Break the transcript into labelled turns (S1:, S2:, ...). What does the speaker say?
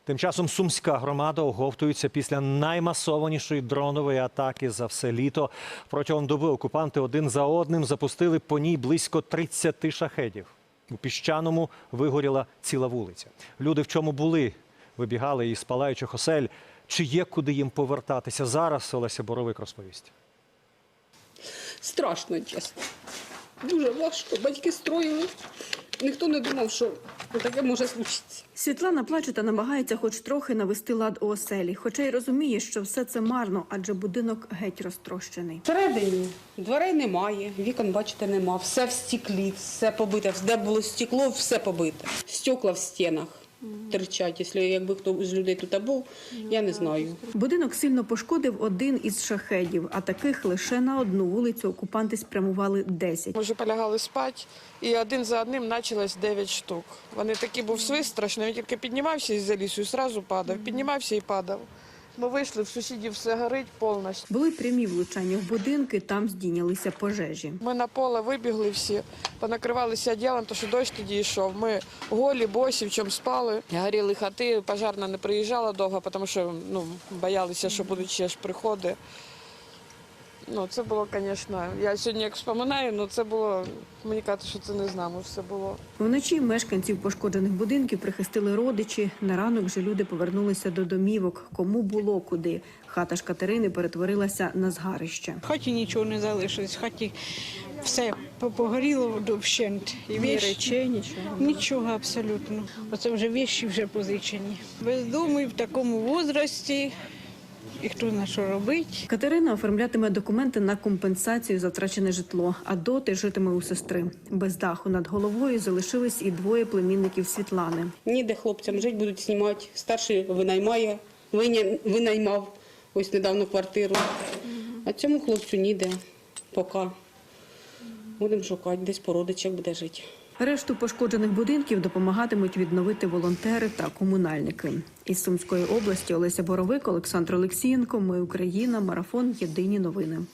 S1: Тим часом сумська громада оговтується після наймасованішої дронової атаки за все літо. Протягом доби окупанти один за одним запустили по ній близько 30 шахедів. У Піщаному вигоріла ціла вулиця. Люди в чому були? Вибігали із палаючих осель. Чи є куди їм повертатися? Зараз Олеся Боровик розповість.
S2: Страшно, чесно. Дуже важко. Батьки строїли. Ніхто не думав, що таке може случитися.
S3: Світлана плаче та намагається хоч трохи навести лад у оселі. Хоча й розуміє, що все це марно, адже будинок геть розтрощений.
S2: Всередині дверей немає, вікон, бачите, нема. Все в стеклі, все побите. Де було стекло, все побите. Стекла в стінах терчать. Якби хто з людей тут був, я не знаю.
S3: Будинок сильно пошкодив один із шахедів, а таких лише на одну вулицю окупанти спрямували 10.
S4: Ми вже полягали спати, і один за одним почалось 9 штук. Вони такі, був свист страшний, він тільки піднімався із-за лісу і одразу падав, піднімався і падав. Ми вийшли, в сусідів все горить повністю.
S3: Були прямі влучання в будинки, там здійнялися пожежі.
S4: Ми на поле вибігли всі, понакривалися одягом, тому що дощ тоді йшов. Ми голі, босі, в чому спали. Горіли хати, пожарна не приїжджала довго, тому що боялися, що будуть ще ж приходи. Це було, звісно, я сьогодні як вспоминаю, це було, мені кажуть, що це не з нами все було.
S3: Вночі мешканців пошкоджених будинків прихистили родичі. На ранок же люди повернулися до домівок. Кому було куди. Хата ж Катерини перетворилася на згарище.
S5: В хаті нічого не залишилось, в хаті все погоріло вщент.
S3: Ні речей, нічого?
S5: Нічого абсолютно. Оце вже вещі вже позичені. Бездомний в такому возрасті. І хто знає, що робить.
S3: Катерина оформлятиме документи на компенсацію за втрачене житло, а доти житиме у сестри. Без даху над головою залишились і двоє племінників Світлани.
S2: Ніде хлопцям жити, будуть знімати. Старший винаймав ось недавно квартиру. А цьому хлопцю ніде поки. Будемо шукати, десь по родичах буде жити.
S3: Решту пошкоджених будинків допомагатимуть відновити волонтери та комунальники. Із Сумської області Олеся Боровик, Олександр Олексієнко. Ми Україна. Марафон. Єдині новини.